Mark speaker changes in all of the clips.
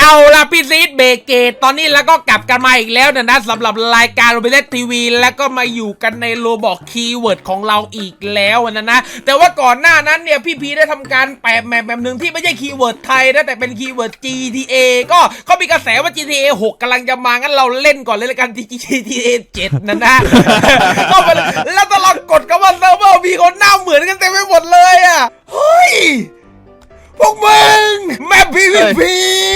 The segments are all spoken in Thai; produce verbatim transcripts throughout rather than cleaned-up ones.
Speaker 1: เอาล่ะพี่ซีดเบเกตตอนนี้แล้วก็กลับกันมาอีกแล้วนะนะสำหรับรายการโรบินทีวีแล้วก็มาอยู่กันในโรบอกคีย์เวิร์ดของเราอีกแล้วนะนะแต่ว่าก่อนหน้านั้นเนี่ยพี่พีได้ทำการแปะแมปแบบหนึ่งที่ไม่ใช่คีย์เวิร์ดไทยนะแต่เป็นคีย์เวิร์ด จี ที เอ ก็เขามีกระแสว่า จี ที เอ หกกำลังจะมางั้นเราเล่นก่อนเลยละกัน จี ที เอ เจ็ดนะนะก็ไปแล้วตลอดกดกันว่าเซิร์ฟเวอร์มีคนหน้าเหมือนกันเต็มไปหมดเลยอ่ะเฮ้ยพวกมึงแมป พี วี พี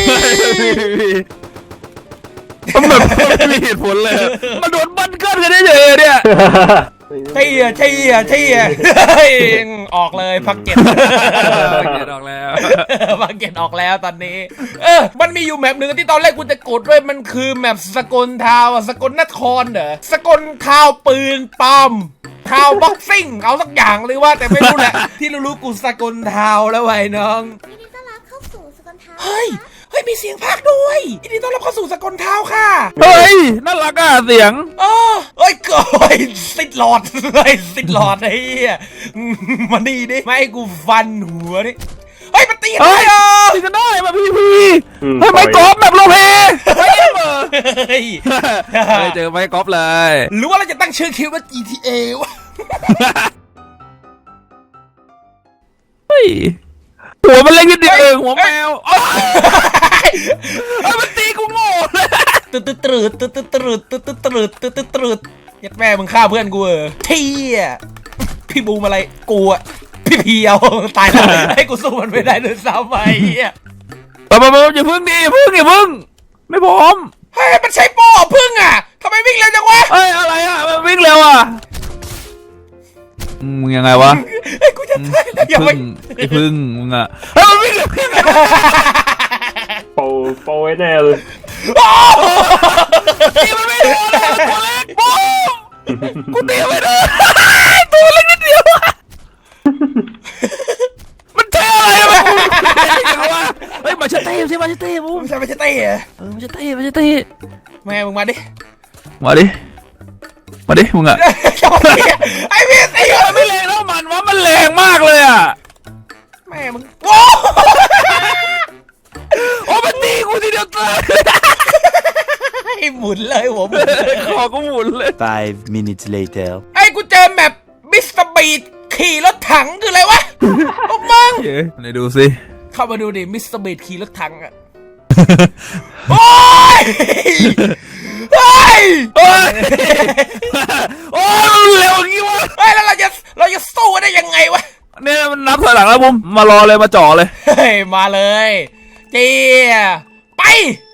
Speaker 2: มันแบบไม่มีเหตุผลเลยมันโดนบันเกิลกันได้เลยเนี่ย
Speaker 1: ใช่อ่ะใช่อ่ะใช่อ่ะออกเลยพักเก็ต
Speaker 2: ออกแล้ว
Speaker 1: พักเก็ตออกแล้วตอนนี้เออมันมีอยู่แมปหนึ่งที่ตอนแรกกูจะกดด้วยมันคือแมปสกลทาวสกลนครเหรอสกลทาวปืนปอมทาวบ็อกซิ่งเอาสักอย่างเลยว่าแต่ไม่รู้แหละที่รู้ๆกูสกลทาวแล้วไว้น้อง
Speaker 3: ยินดีต้อนรับเข้าสู่สกลทาวน์
Speaker 1: เฮ้ยเฮ้ยมีเสียงพากย์ด้วยยินดีต้อนรับเข้าสู่สกลทาวค่ะ
Speaker 2: เฮ้ยน่ารักอ่ะเสียง
Speaker 1: เออเฮ้ยเกิดสิทธิ์หลอดเฮ้ยสิทธิ์หลอดไอ้เหี้ยมานี่ดิไม่ให้กูฟันหัวดิเฮ้ยมันตีกันได้เหรอ
Speaker 2: ตีกันได้มาพี่พี่เฮ้ยไม้กอล์ฟแบบโลเพเฮ้ยเจอไม้กอล์ฟเลย
Speaker 1: หรือว่าเราจะตั้งชื่อคลิปว่า จี ที เอ วะ
Speaker 2: เฮ้ยหัวมันเล็กนิดเดียวเองหัวแมวมันตีกูโง่เลย
Speaker 1: ตืดตืดตืดตืดตืดตืดตืดตืดตืดตืดตืดยัดแม่มึงฆ่าเพื่อนกูเออเที่ยพี่บูมอะไรกูอะพี่เพียวตายแล้วให้กูสู้มันไม่ได้เลยซ้ำไปอ่ะ
Speaker 2: ปะปะปะอย่าพึ่งดิพึ่งอย่าพึ่งไม่พร้อม
Speaker 1: เฮ้ยมันใช้โป้พึ่งอ่ะทำไมวิ่งเร็วจังวะ
Speaker 2: เฮ้ยอะไรอ่ะมันวิ่งเร็วอ่ะมึงยังไงวะ
Speaker 1: ไอ้กูจะตายแล้วอย่าไป
Speaker 2: ไอ้พึ่งมึงอ่ะเฮ้ยมันวิ่งเร็ว
Speaker 4: โปโปไว้แน่เลย
Speaker 2: ตีมันไม่โดนเลยตัวเล็กปุ๊บกูตีไม่โดนตัวเล็กนิดเดียวมันเท่อะไรวะเฮ้ยมาเชตเต้ใช่มาเชตเต้ปุ๊บ
Speaker 1: ใช่มาเชตเต้เหรอ
Speaker 2: เออมาเชตเต้มาเชตเต้
Speaker 1: แม่มึงมาดิ
Speaker 2: มาดิมาดิมึงอ่ะ
Speaker 1: ไอ้พี่ตี
Speaker 2: มันไม่แรงแล้วมันว่ามันแรงมากเลยอ่ะ
Speaker 1: แม่มึงโอ้
Speaker 2: โอ้มันตีกูทีเดียวตาย
Speaker 1: ไอ้หมุนเลยผม
Speaker 2: คอกูหมุนเลย
Speaker 5: five minutes later
Speaker 1: ไอ้กูเจอแมปมิสเตอร์บีดขี่รถถังคืออะไรวะพวกมึง
Speaker 2: ไหนดูสิ
Speaker 1: เข้ามาดูดิมิสเตอร์บีดขี่รถถังอะโอ้ยเฮ้ย
Speaker 2: โอ้ยโอ้ยเร็วอย่างงี้วะ
Speaker 1: เฮ้ยแล้วเราจะเราจะสู้ได้ยังไงวะ
Speaker 2: เนี่ยมันนับถอยหลังแล้วผมมารอเลยมาจ่อเลย
Speaker 1: เฮ้ยมาเลยเจี๊ยไป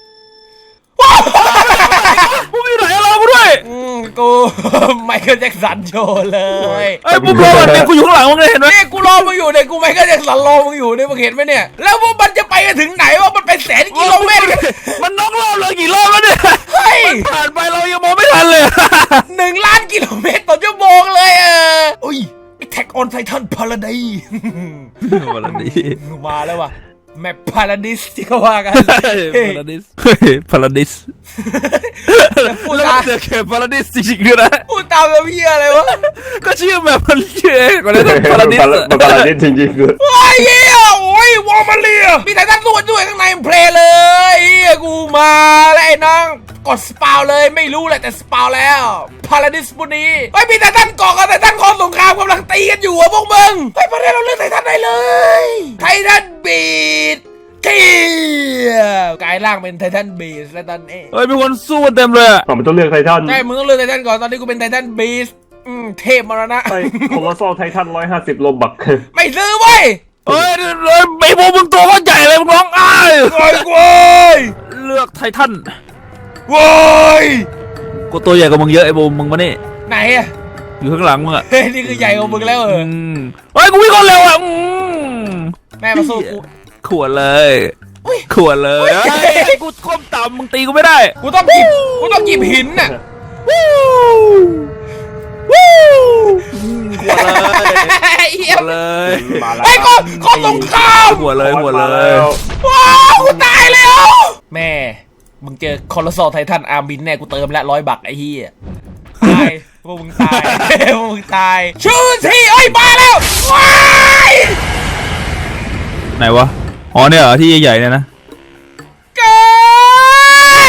Speaker 2: กูมีไหนรอกูด้วย
Speaker 1: อืมกูไมเคิลแจ็คสันโชว์เลย
Speaker 2: ไอ้พวกรอเนี่ยกูอยู่ข้างหลังมึงเลยเห็นไหม
Speaker 1: นี่กูรอมึงอยู่เนี่ยกูไมเคิลแจ็คสันรอมึงอยู่เนี่ยมึงเห็นไหมเนี่ยแล้วพวกมันจะไปกันถึงไหนวะมันเป็นแสนกิโลเมตร
Speaker 2: มันน็อกรอบเลยกี่รอบแล้วเนี่ย
Speaker 1: เฮ้ย
Speaker 2: ผ่านไปเรายังมองไม่ทันเลย
Speaker 1: หนึ่งล้านกิโลเมตรต่อชั่วโมงเลยเอออุ้ยแท็กออนไททันพาราไดซ์
Speaker 2: พาราไดซ์
Speaker 1: มาแล้วว่ะแมปพาราดิสที่เขาว่ากัน
Speaker 2: พาราดิสพาราดิสพูดตามเก็บพาราดิสจริงๆด้วยนะ
Speaker 1: พูดตามแบบเหี้ยอะไรวะ
Speaker 2: ก็ชื่อแบบมันชื่อก็เลยพาราดิส
Speaker 4: พาราดิสจริงๆคือ
Speaker 1: โอ้ยเหี้ยโอ้ยวอร์มาเลียมีไททันส่วนด้วยข้างในเพลย์เลยเหี้ยกูมาแล้วไอ้น้องกดสปาวเลยไม่รู้แหละแต่สปาวแล้วพาราดิสบุนีไอ้มีไททันเกาะกับไททันคอนสงครามกำลังตีกันอยู่อะพวกมึงไอ้ประเด็นเราเลือกไททันได้เลยไททันบีดเที่ยกลายร่างเป็นไททันบีสแล้วตอนนี้
Speaker 2: เฮ้ยมีคนสู้กันเต็มเลยอ่ะ
Speaker 4: มันต้องเลือกไททัน
Speaker 1: ใช่มึงต้องเลือกไททันก่อนตอนนี้กูเป็นไททันบีสอืมเทพมรณะ
Speaker 4: ไอ้โคลอสซอลไททันร้อยห้าสิบโลบัก
Speaker 1: ไม่ซื้อเว้ย
Speaker 2: เฮ้ยไอ้พวกมึงตัวก็ใหญ่เลยมึงร้องอ้าย
Speaker 1: โว้ยโว้ย
Speaker 2: เลือกไททัน
Speaker 1: โว้ย
Speaker 2: กูตัวใหญ่กว่ามึงเยอะไอ้บูมมึงมานี่
Speaker 1: ไหนอะ
Speaker 2: อยู่ข้างหลังมึงอะ
Speaker 1: เฮ้ยนี่คือใหญ่กว่ามึงแล้วเออ
Speaker 2: เฮ้ยกูวิ่งคนเร็วอะ
Speaker 1: แม่มาสู้กู
Speaker 2: ขวดเลยขวดเลยกูก้มต่ำมึงตีกูไม่ได้
Speaker 1: กูต้องกิบกูต้องกิบหินน่ะ
Speaker 2: วู้วู้ขวดเลยขวดเลย
Speaker 1: ไอ้ก้อนก้อนสงคราม
Speaker 2: ขวดเลยขวดเลย
Speaker 1: ว้าวกูตายแล้วแม่มึงเจอคอลโซไททันอาร์บินแน่กูเติมละร้อยบักไอ้เหี้ยตายพวกมึงตายพวกมึงตายชูทีเอ้ยมาแล้วว้าย
Speaker 2: ไหนวะอ๋อเนี่ยเหรอที่ใหญ่ๆเนี่ยนะ
Speaker 1: เกิ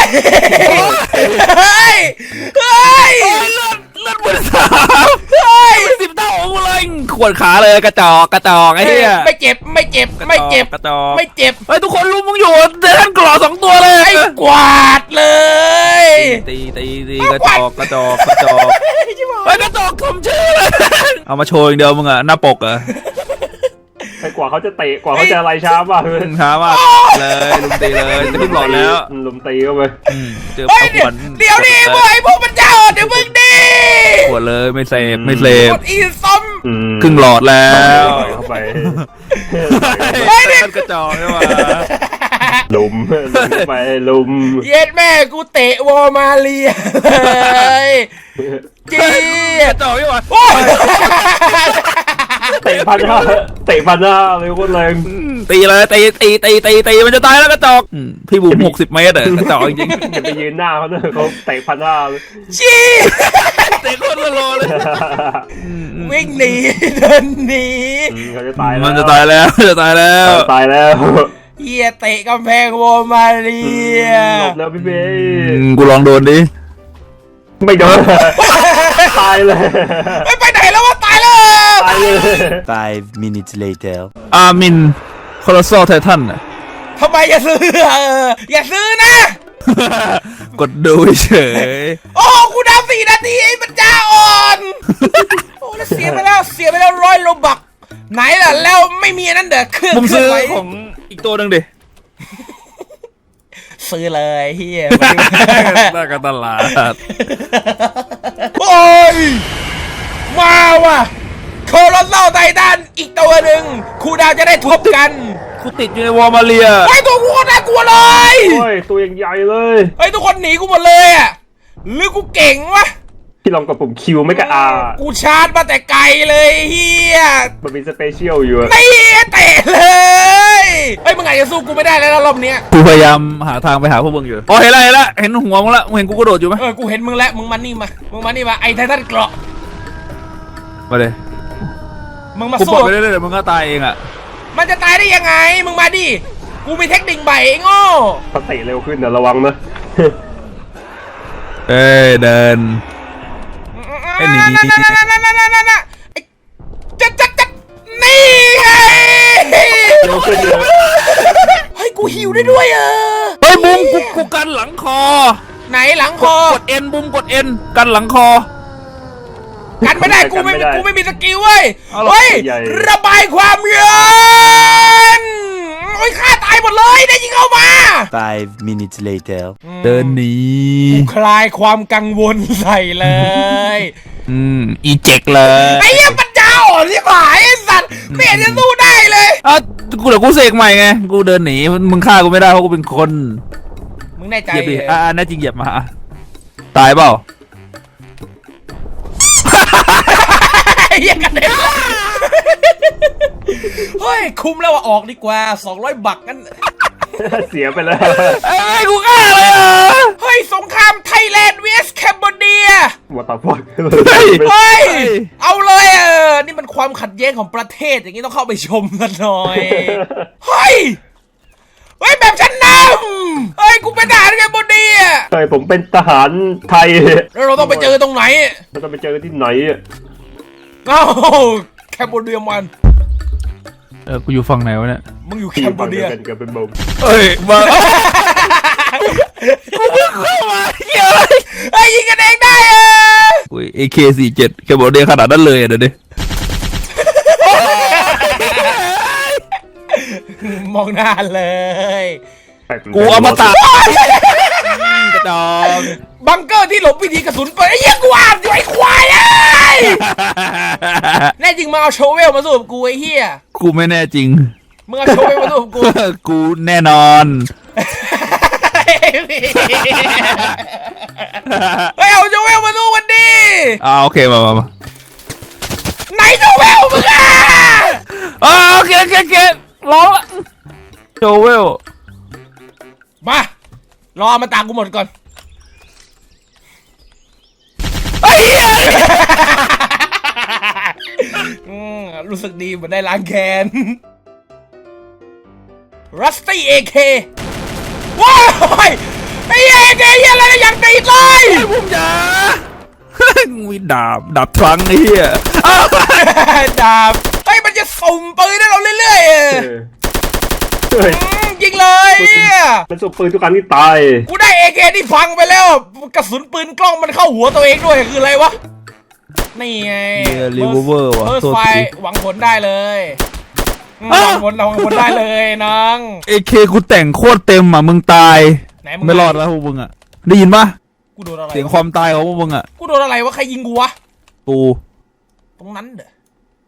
Speaker 1: เฮ้ยเฮ้ย
Speaker 2: เลือดเลือดมือสาม
Speaker 1: เฮ้ย
Speaker 2: สิบเท่าของกูเลยขวดขาเลยกระจอกกระจอกไอ้เหี้ย
Speaker 1: ไม่เจ็บไม่เจ็บไม่เจ็บ
Speaker 2: กระจอก
Speaker 1: ไม่เจ็บ
Speaker 2: เฮ้ยทุกคนรู้มึงอยู่เดินกรอสองตัวเลย
Speaker 1: ไอ้กวาดเลย
Speaker 2: ตีตีตีกระจอกกระจอกกระจอกเฮ้ยกระจอกสมชื่อเลยเอามาโชว์อย่างเดียวมึงอะหน้าปกอะ
Speaker 4: ไอ้กว่าเขาจะเตะกว่าเขาจะอะไรช้ามากเลย
Speaker 2: ช้ามากเลยลุมตีเลยจะขึ้นหลอดแล้ว
Speaker 4: ลุมตีเข้าไป
Speaker 2: เจอ
Speaker 1: เฮ้ย
Speaker 2: เอาข
Speaker 1: เดี๋ยว
Speaker 2: วด
Speaker 1: เดี๋ยวดิพวกไอ้พวกมันจะอ่อนเดี๋ยวมึงดิ
Speaker 2: ขวดเลยไม่เสพไม่เสพ
Speaker 1: กดอีซ้ม
Speaker 4: อืม
Speaker 2: ครึ่งหลอดแล้ว
Speaker 4: เข้าไป
Speaker 2: เฮ้ยกระจอกใช่ไหม
Speaker 4: ลุมลุมเข้าไปลุม
Speaker 1: เย็ดแม่กูเตะวอร์มาเลียเลยจี
Speaker 2: กระจอกใช่ไหม
Speaker 1: โอ้ย
Speaker 4: เตะพันห้าเตะพันห้าเลยโคตรแรง
Speaker 2: ตีเลยตีตีตีตีตีมันจะตายแล้วกระจอกพี่บุ๋มหกสิบเมตรอะกระจอกจริง
Speaker 4: อย่าไปยืนหน้าเขาเนอะเขาเตะพันห้าเลย
Speaker 1: จี
Speaker 2: เตะคนละโลเลย
Speaker 1: วิ่งหนีเดินหนี
Speaker 4: อืมเขาจะตายแล้ว
Speaker 2: มันจะตายแล้วจะตายแล้ว
Speaker 4: ตายแล้ว
Speaker 1: เฮียเตะกำแพงวอร์มาเลีย
Speaker 4: หลบแล้วพี่เบย์
Speaker 2: กูลองโดนดิ
Speaker 4: ไม่โดนตายเลย
Speaker 1: ไม่ไปไหนแล้ววะตายแล้ว
Speaker 4: ตายเลย
Speaker 5: Five minutes later.
Speaker 2: อามินคอร์ซอลไททันอะ
Speaker 1: ทำไมอย่าซื้อเอออย่าซื้อนะ
Speaker 2: กดดูเฉย
Speaker 1: โอ้กูดาวสี่นาทีไอ้มันจ้าอ่อนโอ้แล้วเสียไปแล้วเสียไปแล้วร้อยโลบักไหนล่ะแล้วไม่มีอันนั้นเด้อเครื่อง
Speaker 2: ผม
Speaker 1: เครื่
Speaker 2: ซื้อ
Speaker 1: ไว้
Speaker 2: ของอีกตัวหนึ่งดิ
Speaker 1: ซื้อเลยเฮีย
Speaker 2: หน้ากันตลาด
Speaker 1: โอ้ยมาว่ะโคโรโซไททันอีกตัวหนึ่งครูดาวจะได้ทบกัน
Speaker 2: กูติดอยู่ในวอร์มาเลีย
Speaker 1: ไอ้ยตัวกูโคตรน่ากลัวเลย
Speaker 4: โอ้ยตัวยังใหญ่เลย
Speaker 1: ไอ้ยทุกคนหนีกูหมดเลยอ่ะหรือกูเก่งวะ
Speaker 4: พี่ลองกับผมคิวไม่กระอา
Speaker 1: กูชาร์จมาแต่ไกลเลยเฮีย
Speaker 4: มันมีสเปเชียลอยู่อะ
Speaker 1: ไม่เตะเลยเฮ้ยมึงอาจจะสู้กูไม่ได้แล้วนะรอบเนี้ย
Speaker 2: กูพยายามหาทางไปหาพวกมึงอยู่อ๋อเห็นแล้วเห็นแล้วเห็นหัวมึงแล้วมึงเห็นกูกระโดดอยู่ไหม
Speaker 1: เออกูเห็นมึงแล้วมึงมานี่มามึงมานี่มาไอ้ไททันเกราะ
Speaker 2: มาเลย
Speaker 1: มึงมา
Speaker 2: กู
Speaker 1: สู้
Speaker 2: ปล่อยไปเรื่อยๆเดี๋ยวมึงก็ตายเองอ่ะ
Speaker 1: มันจะตายได้ยังไงมึงมาดิกูมีเทคนิคใหม่ไอ้โง่
Speaker 4: เขาเตะเร็วขึ้นนะระวังนะ
Speaker 2: เอ้ยเดิน ไอ้หนี
Speaker 1: นั่นนั่นนั่นนั่นนั่นนั่นนั่นไอ้จัดจัดจัดนี่ไง
Speaker 4: เร็วขึ้นเยอะ
Speaker 1: เฮ้ยกูหิวได้ด้วยเออ
Speaker 2: เฮ้ยบุ้มกูกูกันหลังคอ
Speaker 1: ไหนหลังคอก
Speaker 2: ดเอ็นบุ้มกดเอ็นกันหลังคอ
Speaker 1: กันไม่ได้กูไม่กูไม่มีสกิลเว้ย
Speaker 2: เอาหรอ
Speaker 1: เฮ้ยระบายความเย็นโอ้ยฆ่าตายหมดเลยได้ยิงเข้ามา
Speaker 5: Five minutes later.
Speaker 2: เดินหนี
Speaker 1: คลายความกังวลใส่เลย
Speaker 2: อืมอีเจ็กเลย
Speaker 1: ไอ้เหี้ยปัญญาอ่อนที่หายไอ้สัตว์ไม่เห็นจะสู้ได้เลย
Speaker 2: อ่ะกูเดี๋ยวกูเสกใหม่ไงกูเดินหนีมึงฆ่ากูไม่ได้เพราะกูเป็นคน
Speaker 1: มึงแน่ใจ
Speaker 2: เหยียบดิ
Speaker 1: เหร
Speaker 2: อ่า
Speaker 1: อ
Speaker 2: แน่จริงเหยียบมาตายเปล่า
Speaker 1: ไอ้เหี้ยกันเด็นเฮ้ยคุ้มแล้วว่าออกดีกว่าสองร้อยบักงั้น
Speaker 4: เสียไปแล้ว
Speaker 2: เอ้ยกูฆ่าเลยอ่ะ
Speaker 1: เฮ้ยสงครามไทยแลนด์ vs แคมโบเดีย
Speaker 4: วัตาฟอก
Speaker 2: เฮ้ย
Speaker 1: เฮ้ยเอาเลยเออนี่มันความขัดแย้งของประเทศอย่างนี้ต้องเข้าไปชมกันหน่อยเฮ้ยเฮ้ยแบบฉันนำเฮ้ยกูเป็นทหารแคมโบเดีย
Speaker 4: ใช่ผมเป็นทหารไทย
Speaker 1: แล้วเราต้องไปเจอตรงไหน
Speaker 4: เราต้องไปเจอที่ไหนอะ
Speaker 1: เอ้าแคมโบเดียมัน
Speaker 2: เออกูอยู่ฝั่งไหนวะเนี่ย
Speaker 1: มึงอยู่แค
Speaker 4: ที่
Speaker 1: มโบ
Speaker 4: ฝั่งเดี
Speaker 1: เดี
Speaker 4: ย
Speaker 1: ยว
Speaker 4: กันกับเป็นบม
Speaker 2: เอ้ยมากูเพิ่งเข้ามาเฮ้ย
Speaker 1: เฮ้ยยิงกันเองได้เออ
Speaker 2: อุ้ย เอ เค สี่สิบเจ็ด แกบอกเดียขนาดนั้นเลยอ่ะเดี๋ยวดิ
Speaker 1: มองหน้าเลย
Speaker 2: กูเอามาตัดกระจอก
Speaker 1: บังเกอร์ที่หลบวิธีกระสุนปืนไอ้เหี้ยกูอ่านอยู่ไอ้ควายไอ้ยแน่จริงมาเอาโชเวลมาสู้กับกูไอ้เหี้ย
Speaker 2: กูไม่แน่จริง
Speaker 1: มึงเอาโชเวลมาสู้กับกู
Speaker 2: กูแน่นอน
Speaker 1: เฮ้ยเอาโชเวลมาสู้กันดิ
Speaker 2: อ่าโอเคมามามา
Speaker 1: ไหนโชเวลมึงอ่ะ
Speaker 2: อ่าโอเคโอเคโอเคร้องละโจเวล
Speaker 1: มารอมาตามกูหมดก่อน
Speaker 2: ไอ้เหี้ย
Speaker 1: อืมรู้สึกดีเหมือนได้ล้างแค้น Rusty เอ เค ว้ายไอ้เหี้ยไอ้เหี้ยอะไรอย่างตีเลย
Speaker 2: ไอ้ผมจ๋ามีดาบดาบทรังไอ้เหี้ยอ้าว
Speaker 1: ดาบไอ้ยมันจะสุ่มปืนให้เราเรื่อยๆ
Speaker 4: เอ
Speaker 1: อะ
Speaker 4: อเฮ้ย
Speaker 1: อืมยิงเลยเหี้ย
Speaker 4: มันส่งปืนทุกครั้งที่ตาย
Speaker 1: กูได้เอเคที่พังไปแล้วกระสุนปืนกล้องมันเข้าหัวตัวเองด้วยคืออะไรวะนี่ไง
Speaker 2: เหี้ยรีเวอร์เวอร์ว่ะ
Speaker 1: เฟิร์ส
Speaker 2: โทษ
Speaker 1: ไฟ
Speaker 2: ที
Speaker 1: หวังผลได้เลยอืม
Speaker 2: อ้าว
Speaker 1: หวังผลเราหวังผลได้เลยน้อง
Speaker 2: เอเคกูแต่งโคตรเต็มอ่ะมึงตาย
Speaker 1: ไหนมึง
Speaker 2: ไม่รอดแล้วพวกมึงอ่ะได้ยินปะ
Speaker 1: กูโดนอะไร
Speaker 2: เสียงความตายของพวกมึงอ่ะ
Speaker 1: กูโดนอะไรวะใครยิงกูวะ
Speaker 2: กู
Speaker 1: ตรงนั้นเด้อ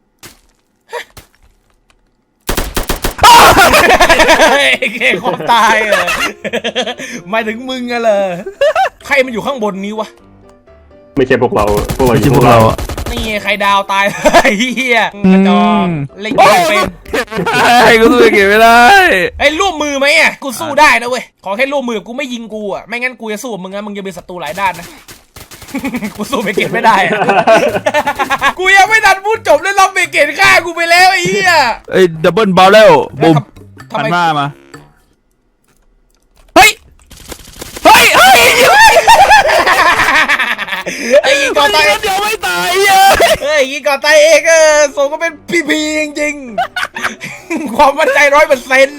Speaker 1: เอเคความตายเหรอหมายถึงมึงอะเลยใครมันอยู่ข้างบนนี้วะ
Speaker 4: ไม่ใช่พวกเราพวกเรา
Speaker 2: ไม่
Speaker 4: อ
Speaker 2: ใช่
Speaker 4: ยู่
Speaker 2: พวกเราอ่ะ
Speaker 1: นี่ไงใครดาวตาย ไอ้เหี้ยกระจอกเล่นเกมเป็น
Speaker 2: ไอ้กูสู้เก็บไม่ได้
Speaker 1: ไอ้ร่วมมือไหมอ่ะกูสู้ได้นะเว้ยขอแค่ร่วมมือกูไม่ยิงกูอ่ะไม่งั้นกูจะสู้กับมึงนะมึงจะเป็นศัตรูหลายด้านนะ กูสู้เบเกตไม่ได้อะ กูยังไม่ทันพูดจบเลยเราเบเกตฆ่ากูไปแล้วไอ้เหี้ย
Speaker 2: ไอ้ดับเบิลบาร์เรลบุม
Speaker 1: ทำ
Speaker 2: หัน
Speaker 1: ไม
Speaker 2: มามาเฮ้ยเฮ้ยเฮ้ย
Speaker 1: ไอ้ยิงก่อนตาย
Speaker 2: เดี๋ยวไม่ตายเย้
Speaker 1: เฮ้ยยิงก่อนตายเองเออสมก็เป็นพีพีจริงๆ ความมั่นใจร้อยเปอร์เซ็นต์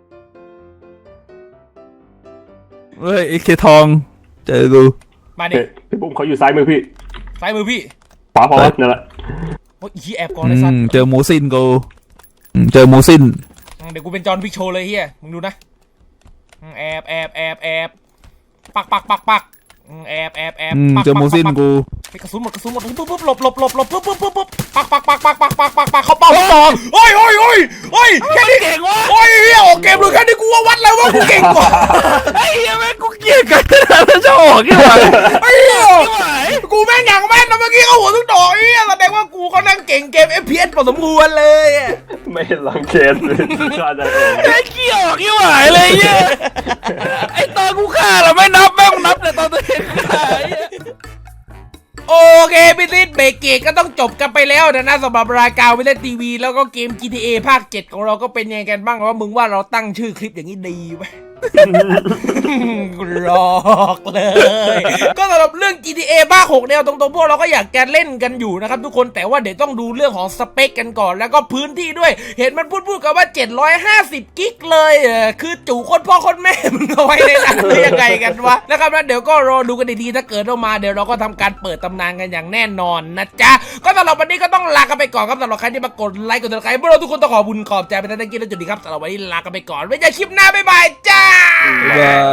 Speaker 2: เฮ้ยไอ้เคทองเจอกู
Speaker 1: มาดิ
Speaker 4: เฮ้ยพี่บุ้มเขาอยู่ซ้ายมือพี่
Speaker 1: ซ้ายมือพี่
Speaker 4: ขวาพอนั่นแหละ
Speaker 1: โอ้ยอีแอบก่อน
Speaker 2: อื
Speaker 1: เลยสัต
Speaker 2: ม
Speaker 1: ว์
Speaker 2: เจอหมูซินกูอืมเจอหมูซิน
Speaker 1: เดี๋ยวกูเป็นจอห์นพิกโชว์เลยเฮียมึงดูนะแอบแอบแอบแอบปักปักปักปักแอบแอบแอบ
Speaker 2: อืม
Speaker 1: ปัก
Speaker 2: เจอหมูซิน
Speaker 1: ปัก
Speaker 2: กู
Speaker 1: ไปกระสุนหมดกระสุนหมดปุ๊บปุ๊บหลบหลบหลบหลบปุ๊บปุ๊บปุ๊บปุ๊บปักปักปักปักปักปักปักปักเขาเป่าเขาต่อโอ้ยโอ้ยโอ้ยโอ้ยแค่นี้
Speaker 2: เก่งวะ
Speaker 1: โอ้ยเฮียออกเกมเลยแค่นี้กูว่าวัดแล้วว่ากูเก่งกว่า
Speaker 2: ไอ้เหี้ยแม่งกูเกลียดกันแล้วจะออกยังไง
Speaker 1: ไอ้เหี้ย
Speaker 2: ไม่ไหว
Speaker 1: กูแม่งอย่างแม่นนะเมื่อกี้เขาหัวทุกดอกไอ้เหี้ยแสดงว่ากูก็นั่งเก่งเกม เอฟ พี เอส พอสมควรเลยอะ
Speaker 4: ไม่เห็นหลังเชนเลยฆ่าได้เอง
Speaker 2: ไอ้เกี่ยวกี่หวายเลยเหี้ยไอ้ตอนกูฆ่าเราไม่นับแม่งนับแต่ตอนตัวเองฆ่าไอ้เหี้ย
Speaker 1: โอเคพี่ซิดเบรกเกตก็ต้องจบกันไปแล้วนะนะสำหรับรายการวิเล่นทีวีแล้วก็เกม จี ที เอ ภาคเจ็ดของเราก็เป็นยังไงกันบ้างว่ามึงว่าเราตั้งชื่อคลิปอย่างนี้ดีไหม หลอกเลย ก็สำหรับเรื่อง จี ที เอ ภาคหกเนี่ยตรงๆพวกเราก็อยากจะเล่นกันอยู่นะครับทุกคนแต่ว่าเดี๋ยวต้องดูเรื่องของสเปคกันก่อนแล้วก็พื้นที่ด้วยเห็นมันพูดพูดกันว่าเจ็ดร้อยห้าสิบกิกเลยเออคือจู่คนพ่อคนแม่มึงเอาไว้ในนั้นหรือยังไงกันวะนะครับแล้วเดี๋ยวก็รอดูกันดีๆถ้าเกิดออกมาเดี๋ยวเราก็ทำการเปิดตำนานกันอย่างแน่นอนนะจ๊ะก็สำหรับวันนี้ก็ต้องลากันไปก่อนครับสำหรับใครที่มากดไลค์กดติดตามพวกเราทุกคนต้องขอบุญขอบใจไปทั้งที่และจุดนี้ครับสำหรับวันนี้ลากันไปก่อนไว้เจอคลิปหน้าบ๊ายบายจ้า
Speaker 2: บ๊ายบาย